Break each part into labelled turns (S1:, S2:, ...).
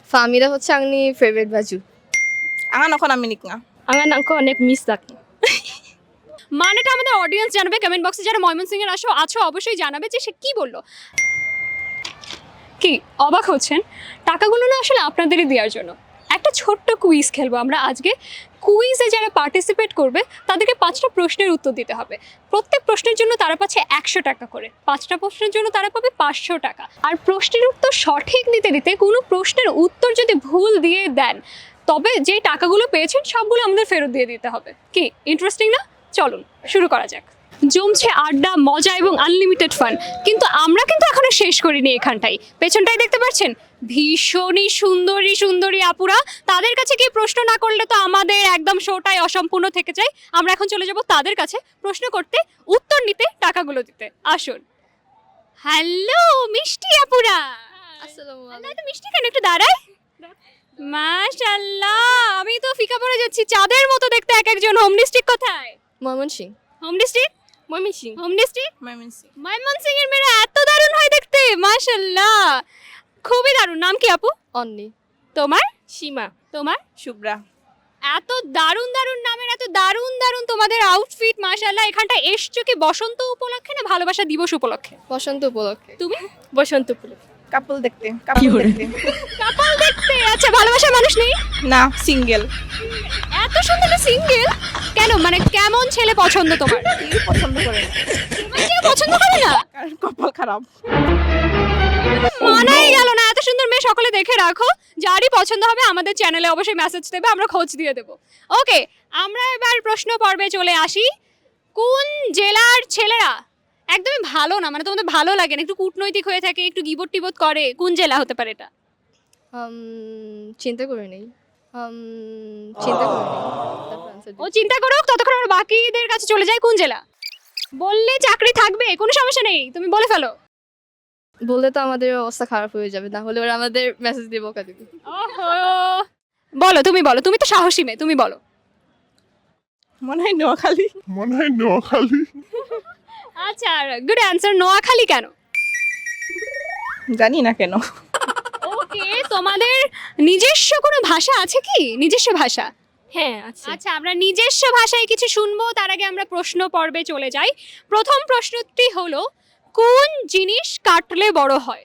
S1: Famida hocche angni favorite baju.
S2: Angan ako naminik nga.
S1: Angan angko onek miss থাকে।
S3: মানেটা আমাদের audience জানাবে, comment বক্সে যারা ময়মনসিংহ এর আছো অবশ্যই জানাবে যে সে কি বললো। কি অবাক হচ্ছেন? টাকাগুলো না আসলে আপনাদেরই দেওয়ার জন্য। একটা ছোট্ট কুইজ খেলবো আমরা আজকে। কুইজে যারা পার্টিসিপেট করবে তাদেরকে 5টা প্রশ্নের উত্তর দিতে হবে। প্রত্যেক প্রশ্নের জন্য তারা পাচ্ছে 100 টাকা করে, 5টা প্রশ্নের জন্য তারা পাবে 500 টাকা। আর প্রশ্নের উত্তর সঠিক দিতে দিতে কোনো প্রশ্নের উত্তর যদি ভুল দিয়ে দেন তবে যে টাকাগুলো পেয়েছেন সবগুলো আমাদের ফেরত দিয়ে দিতে হবে। কি ইন্টারেস্টিং না? চলুন শুরু করা যাক। জমছে আড্ডা, মজা এবং আনলিমিটেড ফান, কিন্তু আমরা কিন্তু এখনো শেষ করিনি। এখানটাই পেছনটাই দেখতে পাচ্ছেন ভীষণই সুন্দরী সুন্দরী আপুরা। তাদের কাছে কি প্রশ্ন না করলে তো আমাদের একদম শোটাই অসম্পূর্ণ থেকে যায়। আমরা এখন চলে যাব তাদের কাছে প্রশ্ন করতে, উত্তর নিতে, টাকাগুলো দিতে। আসুন। হ্যালো মিষ্টি আপুরা।
S1: আসসালামু
S3: না তো মিষ্টি কেন, একটু দাঁড়াই। মাশাআল্লাহ, আমি তো ফিকা পড়ে যাচ্ছি, চাঁদের মতো দেখতে এক একজন। হোম ডিস্ট্রিক্ট কোথায়?
S1: Mymensingh.
S3: Home district
S1: Mymensingh.
S3: Home district
S2: Maimansi.
S3: ময়মনসিংহের মেয়েরা এত দারুণ হয় দেখতে, মাশাআল্লাহ খুবই দারুণ। নাম কি আপু
S1: অন্নি।
S3: তোমার?
S1: সীমা।
S3: তোমার?
S2: Shubra.
S3: এত দারুণ দারুণ নামের এত দারুণ দারুণ তোমাদের আউটফিট, মাশাআল্লাহ। এখানটা এসছো কি বসন্ত উপলক্ষে না ভালোবাসা দিবস উপলক্ষে?
S1: বসন্ত উপলক্ষে।
S3: তুমি?
S1: বসন্ত উপলক্ষে।
S2: Couple দেখতে. Couple দেখতে.
S3: কাপল দেখতে। আচ্ছা, ভালোবাসার মানুষ নেই?
S2: না, single.
S3: এত সুন্দর সিঙ্গেল কেন? মানে কেমন ছেলে পছন্দ তোমার?
S2: কেউ পছন্দ করে না।
S3: তোমার কেউ পছন্দ করে না?
S2: কারণ কপাল খারাপ।
S3: মানাই গেল না। এত সুন্দর মেয়ে সকলে দেখে রাখো। যারই পছন্দ হবে আমাদের চ্যানেলে অবশ্যই মেসেজ দেবে, আমরা খোঁজ দিয়ে দেবো। ওকে, আমরা এবার প্রশ্ন পর্বে চলে আসি। কোন জেলার ছেলেরা একদমই ভালো না, মানে তোমাদের ভালো লাগে না, একটু কূটনৈতিক হয়ে থাকে, একটু গিবট টিবট করে? কোন জেলা হতে পারে এটা?
S1: চিন্তা করে নেই। চিন্তা করে নেই। তারপর answer
S3: ও
S1: দিই।
S3: চিন্তা করুক, ততক্ষণ আমরা বাকিদের কাছে চলে যাই। কোন জেলা বললে চাকরি থাকবে, কোনো সমস্যা নেই, তুমি বলে ফেলো।
S1: বললে তো আমাদের অবস্থা খারাপ হয়ে যাবে, না হলে ওরা আমাদের মেসেজ দিয়ে বকা দিবে।
S3: ওহো, বলো, তুমি বলো, তুমি তো সাহসী মেয়ে, তুমি বলো।
S2: মনে হয় নোয়াখালী।
S3: আচ্ছা, গুড অ্যান্সার। নোয়াখালী কেন?
S2: জানি না কেন।
S3: ওকে, তোমাদের নিজস্ব কোনো ভাষা আছে কি? নিজস্ব ভাষা?
S1: হ্যাঁ আছে।
S3: আচ্ছা, আমরা নিজস্ব ভাষায় কিছু শুনবো, তার আগে আমরা প্রশ্ন পর্বে চলে যাই। প্রথম প্রশ্নটি হলো, কোন জিনিস কাটলে বড় হয়?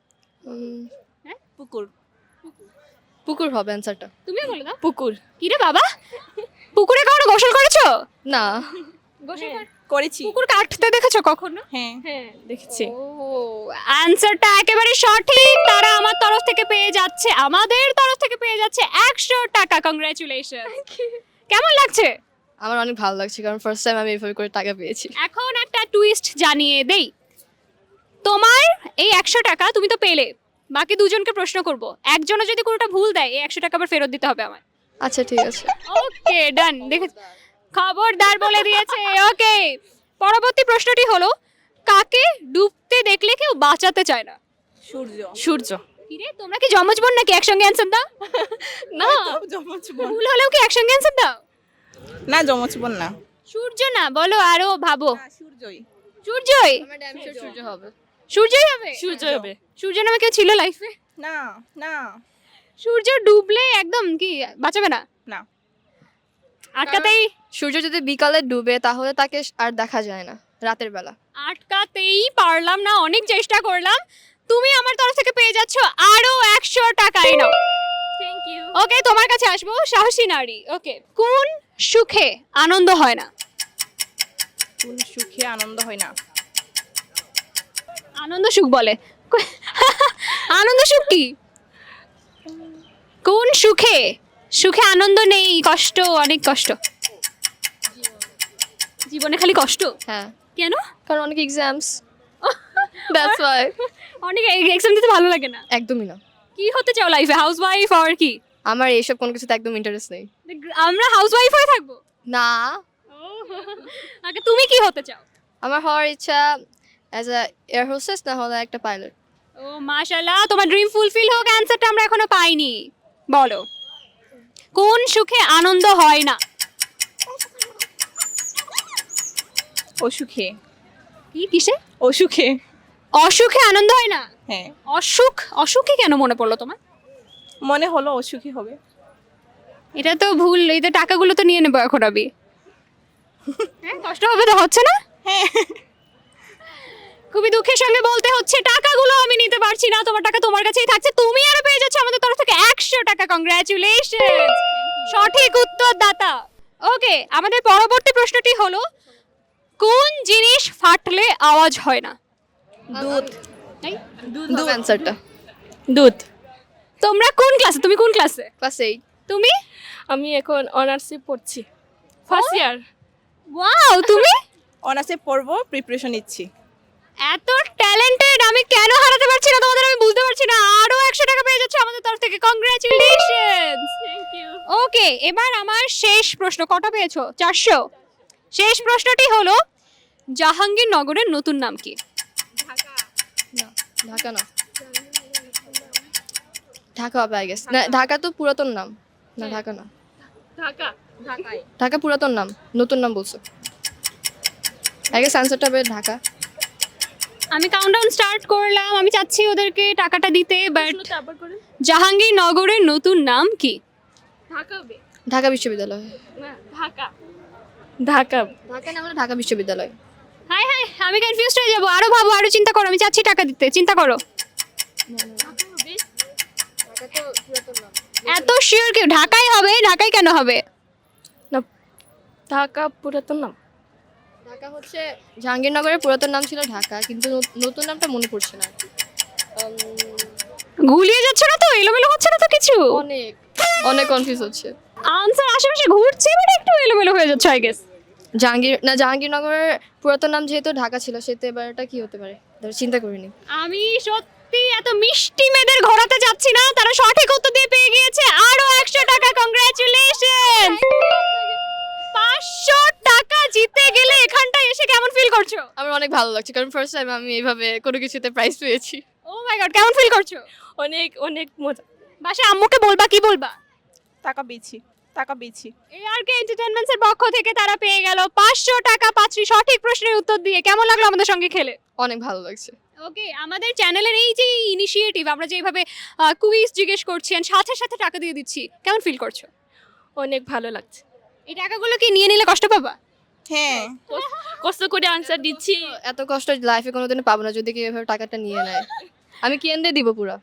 S2: পুকুর।
S1: পুকুর হবে অ্যান্সারটা।
S3: তুমি বলে দাও।
S1: পুকুর।
S3: কি রে বাবা, পুকুরে কখনো গোসল করেছো?
S1: না।
S3: গোসল
S2: করেছি।
S3: পুকুর কাটতে দেখেছো কখনো?
S2: হ্যাঁ।
S1: হ্যাঁ দেখেছি।
S3: ও, অ্যানসারটা একেবারে সঠিক। তারা আমার তরফ থেকে পেয়ে যাচ্ছে, আমাদের তরফ থেকে পেয়ে যাচ্ছে 100 টাকা। কংগ্রাচুলেশন। কেমন লাগছে?
S1: আমার অনেক ভালো লাগছে, কারণ ফার্স্ট টাইম আমি এভাবে করে টাকা পেয়েছি।
S3: এখন একটা টুইস্ট জানিয়ে দেই। তোমার এই 100 টাকা তুমি তো পেলে, বাকি দুজনকে প্রশ্ন করব। একজনও যদি কোনোটা ভুল দেয় এই 100 টাকা আবার ফেরত দিতে হবে আমার।
S1: আচ্ছা ঠিক আছে।
S3: ওকে ডান। দেখে খবরদার বলে দিয়েছে। ওকে, পরবর্তী প্রশ্নটি হলো, কাকে ডুবতে দেখলে কেউ বাঁচাতে চায় না?
S2: সূর্য।
S1: সূর্য।
S3: কিরে, তোমরা কি জমজ বোন নাকি? একসঙ্গে অ্যানসার দাও।
S1: না।
S2: যমজ বোন।
S3: ভুল হলেও কি একসঙ্গে অ্যানসার দাও?
S2: না, যমজ বোন না।
S3: সূর্য না, বলো আরো ভাবো।
S2: না, সূর্যই।
S3: সূর্যই?
S1: আমার ড্যাম শিওর সূর্য হবে।
S3: সূর্যই হবে?
S1: সূর্য হবে।
S3: সূর্য নামে কেউ ছিল লাইফে?
S2: না, না,
S3: সূর্য ডুবলে একদম কি বাঁচাবে না?
S2: না।
S3: আটকাতেই
S1: সূর্য যদি বিকালে ডুবে তাহলে তাকে আর দেখা যায় না রাতের বেলা।
S3: আটকাতেই পারলাম না, অনেক চেষ্টা করলাম। তুমি আমার তরফ থেকে পেয়ে যাচ্ছ আরো 100 টাকা। এই নাও।
S1: Thank you.
S3: ওকে, তোমার কাছে আসবো, সাহসী নারী। ওকে, কোন সুখে আনন্দ হয় না?
S2: কোন সুখে আনন্দ হয় না?
S3: আনন্দ সুখ বলে। আনন্দ সুখ কি? কোন সুখে? সুখে আনন্দ নেই, কষ্ট, অনেক কষ্ট। জীবনে খালি কষ্ট?
S1: হ্যাঁ,
S3: কেন?
S1: কারণ অনেক এক্সামস। That's why.
S3: অনেক এক্সাম দিতে ভালো লাগে না?
S1: একদমই না।
S3: কি হতে চাও লাইফে? হাউসওয়াইফ আর কি?
S1: আমার এইসব কোনো কিছুতে একদম ইন্টারেস্ট নেই।
S3: আমরা হাউসওয়াইফ হয়ে থাকবো?
S1: না,
S3: আগে তুমি কি হতে চাও?
S1: আমার হওয়ার ইচ্ছা অ্যাজ আ এয়ার হোস্টেস, না হলে একটা পাইলট।
S3: ও মাশাআল্লাহ, তোমার ড্রিম ফুলফিল হোক। অ্যানসারটা আমরা এখনো পাইনি। বলো, কোন সুখে আনন্দ হয় না?
S2: অসুখে।
S3: কি কিসে?
S2: অসুখে।
S3: অসুখে আনন্দ হয় না?
S2: হ্যাঁ।
S3: অসুখে কেন মনে পড়লো তোমার?
S2: মনে হলো অসুখী হবে।
S3: এটা তো ভুল, এই তো টাকাগুলো তো নিয়ে নেবো এখন আমি। হ্যাঁ, কষ্ট হবে তো, হচ্ছে না?
S2: হ্যাঁ।
S3: খুবই দুঃখের সঙ্গে বলতে হচ্ছে টাকাগুলো আমি নিতে পারছি না, তোমার টাকা তোমার কাছেই থাকছে, তুমি আরো পেয়ে যাচ্ছ আমাদের তরফ থেকে 100 টাকা। কংগ্রাচুলেশন, সঠিক উত্তর দাতা। ওকে, আমাদের পরবর্তী প্রশ্নটি হলো কোন জিনিস ফাটলে আওয়াজ হয় না?
S2: দুধ।
S1: দুধ অ্যান্সারটা।
S2: দুধ।
S3: তোমরা কোন ক্লাসে, তুমি কোন ক্লাসে?
S1: ক্লাস 8।
S3: তুমি?
S4: আমি এখন অনার্সে পড়ছি, ফার্স্ট ইয়ার।
S3: ওয়াও, তুমি?
S2: অনার্সে পড়বো, প্রিপারেশন নিচ্ছি।
S3: এত ট্যালেন্টেড, আমি কেন হারাতে পারছি না তোমাদের, আমি বুঝতে পারছি না। আরো 100 টাকা পেয়ে যাচ্ছে আমাদের তরফ থেকে। কংগ্রাচুলেশনস।
S4: Thank you.
S3: ওকে, এবার আমার শেষ প্রশ্ন। কটা পেয়েছো? 400। শেষ প্রশ্নটি হলো জাহাঙ্গীরনগরের নতুন নাম কি?
S1: না, ঢাকা না। ঢাকা হবে আই গেস। না, ঢাকা তো পুরাতন নাম। না, ঢাকা না।
S4: ঢাকা। ঢাকায়।
S1: ঢাকা পুরাতন নাম, নতুন নাম বলছো। আই গেস অ্যান্সারটা হবে ঢাকা।
S3: আমি কাউন্টডাউন স্টার্ট করলাম, আমি চাচ্ছি ওদেরকে টাকাটা দিতে, বাট
S4: প্রশ্নটা আবার করে।
S3: জাহাঙ্গীরনগরের নতুন নাম কি?
S4: ঢাকা হবে।
S1: ঢাকা বিশ্ববিদ্যালয়।
S4: না, ঢাকা। ঢাকা।
S1: ঢাকা না হলে ঢাকা বিশ্ববিদ্যালয়।
S3: হাই হাই, আমি কনফিউজড হয়ে যাবো। আরো ভাবো, আরো চিন্তা করো, আমি চাচ্ছি টাকা দিতে, চিন্তা করো।
S4: ঢাকা হবে।
S1: ঢাকা তো পুরাতন নাম।
S3: এত শিওর কেউ? ঢাকাই হবে। ঢাকাই কেন হবে?
S4: না, ঢাকা পুরাতন নাম।
S1: ঢাকা হচ্ছে জাহাঙ্গীরনগরের পুরাতন নাম ছিল ঢাকা, কিন্তু নতুন নামটা মনে পড়ছে না আর কি।
S3: গুলিয়ে যাচ্ছে না তো? এলোমেলো হচ্ছে না তো কিছু?
S1: অনেক অনেক কনফিউজ হচ্ছে।
S3: আনসার আশেপাশে ঘুরছে, বাট একটু এলোমেলো হয়ে যাচ্ছে আই গেস।
S1: জাহাঙ্গীরনগরের পুরাতন নাম যেহেতু ঢাকা ছিল, সেহেতু এবার এটা কি হতে পারে চিন্তা করিনি।
S3: আমি সত্যি এত মিষ্টি মেয়েদের ঘোরাতে যাচ্ছি না, তারা সঠিক উত্তর দিয়ে পেয়ে গিয়েছে আরো 100 টাকা। কংগ্রাচুলেশন, 500 টাকা জিতে গেলে এখানটায় এসে কেমন ফিল করছো?
S1: আমার অনেক ভালো লাগছে, কারণ ফার্স্ট টাইম আমি এইভাবে কোনো কিছুতে প্রাইজ পেয়েছি।
S3: ও মাই গড, কেমন ফিল করছো?
S4: অনেক অনেক মজা।
S3: বাসায় আম্মুকে বলবা, কি বলবা?
S2: টাকা পেয়েছি, টাকা পেয়েছি।
S3: এআরকে এন্টারটেইনমেন্টস এর পক্ষ থেকে তারা পেয়ে গেল 500 টাকা। পাঁচটি সঠিক প্রশ্নের উত্তর দিয়ে কেমন লাগলো আমাদের সঙ্গে খেলে?
S1: অনেক ভালো লাগছে।
S3: ওকে, আমাদের চ্যানেলের এই যে ইনিশিয়েটিভ, আমরা যেভাবে কুইজ জিজ্ঞেস করছি and সাথে সাথে টাকা দিয়ে দিচ্ছি, কেমন ফিল করছো?
S4: অনেক ভালো লাগছে।
S3: এই টাকাগুলো কি নিয়ে নিলে কষ্ট পাবা?
S2: হ্যাঁ।
S4: কষ্ট করে আনসার দিচ্ছি।
S1: এত কষ্ট লাইফে কোনোদিনও পাবো না যদি কেউ এভাবে টাকাটা নিয়ে নেয়। আমি কেন্দ্রে দিব পুরা।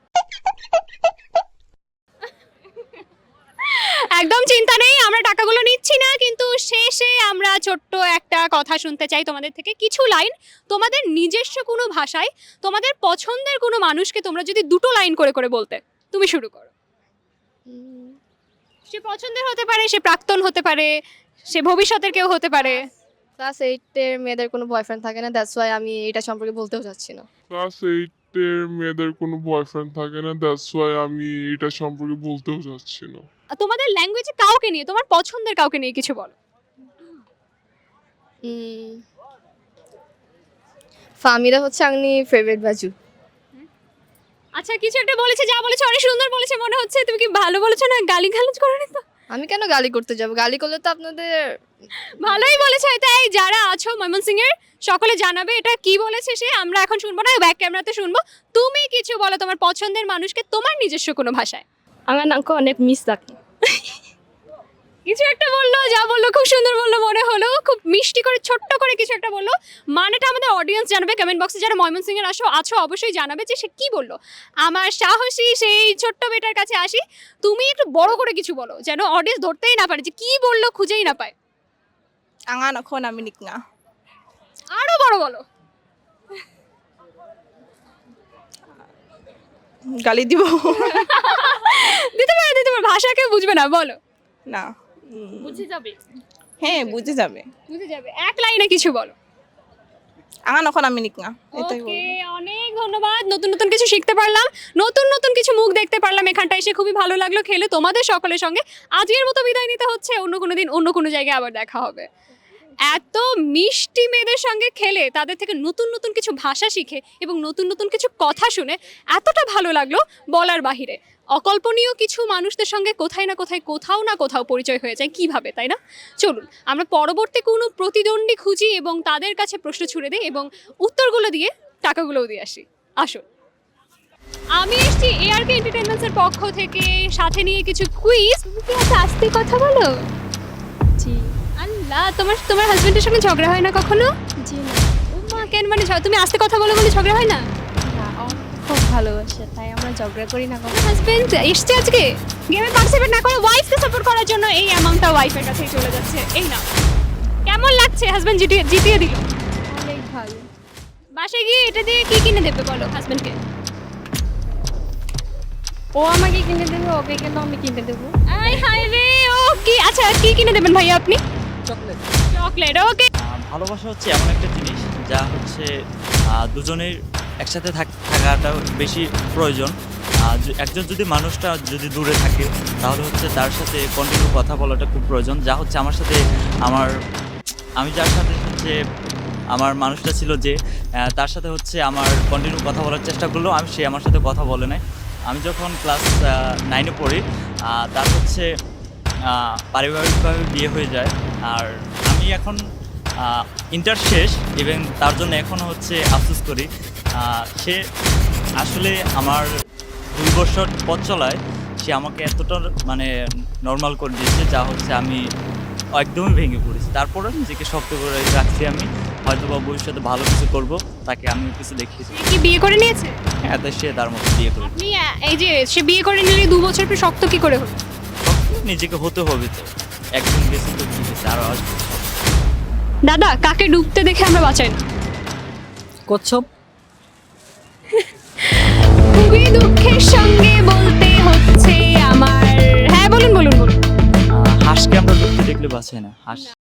S3: একদম চিন্তা নেই, আমরা টাকাগুলো নিচ্ছি না, কিন্তু শেষে আমরা ছোট্ট একটা কথা শুনতে চাই তোমাদের থেকে। কিছু লাইন তোমাদের নিজস্ব কোনো ভাষায়, তোমাদের পছন্দের কোনো মানুষকে তোমরা যদি দুটো লাইন করে করে বলতে। তুমি শুরু করো। সে পছন্দের হতে পারে, সে প্রাক্তন হতে পারে, সে ভবিষ্যতের কেউ হতে পারে।
S1: ক্লাস 8-এর মেয়েদের কোনো বয়ফ্রেন্ড থাকে না, দ্যাটস ওয়াই আমি এটা সম্পর্কে বলতেও চাচ্ছি না।
S5: ক্লাস 8-এর মেয়েদের কোনো বয়ফ্রেন্ড থাকে না, দ্যাটস ওয়াই আমি এটা সম্পর্কে বলতেও চাচ্ছি না।
S3: তোমাদের ল্যাঙ্গুয়েজে কাউকে নিয়ে, তোমার পছন্দের কাউকে নিয়ে কিছু বলো।
S1: ফামিদা হচ্ছে আমি ফেভারিট বাজু।
S3: আচ্ছা, কিছু একটা বলেছে, যা বলেছে অনেক সুন্দর বলেছে মনে হচ্ছে। তুমি কি ভালো বলেছো না গালি গালাজ করোনি তো?
S1: আমি কেন গালি করতে যাব? গালি করলে তো আপনাদের
S3: ভালোই বলেছে। তাই যারা আছো ময়মনসিং এর, সকলে জানাবে এটা কি বলেছে সে। আমরা এখন শুনবো না, ব্যাক ক্যামেরাতে শুনবো। তুমি কিছু বলো তোমার পছন্দের মানুষকে তোমার নিজস্ব কোনো ভাষায়।
S4: আমার নামকে অনেক মিস রাখি।
S3: কিছু একটা বললো, যা বললো খুব সুন্দর বললো মনে হলো, খুব মিষ্টি করে ছোট্ট করে কিছু একটা বললো। মানেটা আমাদের অডিয়েন্স জানাবে কমেন্ট বক্সে। যারা ময়মনসিং এর আছো অবশ্যই জানাবে যে সে কি বললো। আমার সাহসী সেই ছোট্ট মেয়েটার কাছে আসি। তুমি একটু বড় করে কিছু বলো, যেন অডিয়েন্স ধরতেই না পারে যে কি বললো, খুঁজেই না পায়।
S2: আঙান এখন আমি নিকনা।
S3: আরো বড় বলো।
S2: গালি দিব।
S3: দিতে পারে, ভাষা কেউ বুঝবে না, বলো।
S2: না।
S4: বুঝে যাবে।
S2: হ্যাঁ, বুঝে যাবে।
S3: বুঝে যাবে, এক লাইনে কিছু বলো।
S2: আঙান এখন আমি নিকনা, এটাই
S3: ওকে,
S2: বলবো।
S3: অনেক ধন্যবাদ। নতুন নতুন কিছু শিখতে পারলাম, নতুন নতুন কিছু মুখ দেখতে পারলাম এখানটা এসে। খুবই ভালো লাগলো খেলে তোমাদের সকলের সঙ্গে। আজকের মতো বিদায় নিতে হচ্ছে, অন্য কোনো দিন অন্য কোনো জায়গায় আবার দেখা হবে। এত মিষ্টি মেয়েদের সঙ্গে খেলে, তাদের থেকে নতুন নতুন কিছু ভাষা শিখে এবং নতুন নতুন কিছু কথা শুনে এতটা ভালো লাগলো বলার বাহিরে। অকল্পনীয় কিছু মানুষদের সঙ্গে কোথাও না কোথাও পরিচয় হয়ে যায়, কিভাবে, তাই না? চলুন আমরা পরবর্তী কোনো প্রতিদ্বন্দ্বী খুঁজি এবং তাদের কাছে প্রশ্ন ছুড়ে দিই এবং উত্তরগুলো দিয়ে টাকাগুলোও দিয়ে আসি। আসুন। আমি এসেছি এআরকে এন্টারটেইনমেন্টসের পক্ষ থেকে সাথে নিয়ে কিছু কুইজ। তুমি কি এত আস্তে কথা বলো?
S4: জি
S3: আল্লাহ, তোমার তোমার হাজবেন্ডের সঙ্গে ঝগড়া হয় না কখনো?
S4: জি না
S3: ও মা, কেন মানে তুমি আস্তে কথা বলো বলে ঝগড়া হয় না?
S4: না ও খুব ভালোবাসে তাই আমরা ঝগড়া করি না কখনো।
S3: হাজবেন্ড এসছে আজকে গেমে পার্টিসিপেট না করে ওয়াইফকে সাপোর্ট করার জন্য, এই অ্যামাউন্টটা ওয়াইফের কাছেই চলে যাচ্ছে। এই না, কেমন লাগছে হাজবেন্ড জিতিয়ে দিল?
S4: অনেক ভালো।
S3: বাসায় গিয়ে এটা দিয়ে কি কিনে দেবে বলো হাজবেন্ডকে?
S4: ও আমাকে কিনে দেবে, ওকে কেন আমি কিনে দেবো?
S3: আই হাই রে, ও কি, আচ্ছা কি কিনে দেবেন ভাইয়া আপনি?
S6: চকলেট।
S3: Chocolate, okay.
S6: ভালোবাসা হচ্ছে এমন একটা জিনিস যা হচ্ছে দুজনের একসাথে থাকাটা বেশি প্রয়োজন। একজন যদি মানুষটা যদি দূরে থাকে তাহলে হচ্ছে তার সাথে কন্টিনিউ কথা বলাটা খুব প্রয়োজন। যা হচ্ছে আমার সাথে আমি যার সাথে হচ্ছে আমার মানুষটা ছিল যে তার সাথে হচ্ছে আমার কন্টিনিউ কথা বলার চেষ্টা করলো, সে আমার সাথে কথা বলে নাই। আমি যখন ক্লাস 9-এ পড়ি তার হচ্ছে পারিবারিকভাবে বিয়ে হয়ে যায়। আর আমি এখন ইন্টার শেষ, ইভেন তার জন্য এখনও হচ্ছে আফসোস করি। সে আসলে আমার 2 বছর পথ চলায় সে আমাকে এতটা মানে নর্মাল করে দিয়েছে, যা হচ্ছে আমি একদমই ভেঙে পড়েছি। তারপরে নিজেকে শক্ত করে রাখছি, আমি হয়তো বা ভবিষ্যতে ভালো কিছু করব, তাকে আমি কিছু দেখিয়েছি।
S3: সে কি বিয়ে করে নিয়েছে?
S6: হ্যাঁ, তাই সে তার মতো বিয়ে করবে।
S3: আপনি এই যে সে বিয়ে করে নিলে 2 বছর পর শক্ত কি করে হলো?
S6: নিজেকে হতে হবে তো, একদিন গেছে তো ঠিক আছে, আরও আসবে।
S3: দাদা, কাকে ডুবতে দেখে আমরা বাঁচাই না?
S7: কচ্ছপ।
S3: খুবই দুঃখের সঙ্গে বলতে হচ্ছে আমার, হ্যাঁ বলুন বলুন বলুন।
S6: হাঁসকে আমরা ডুবতে দেখলে বাঁচাই না, হাঁস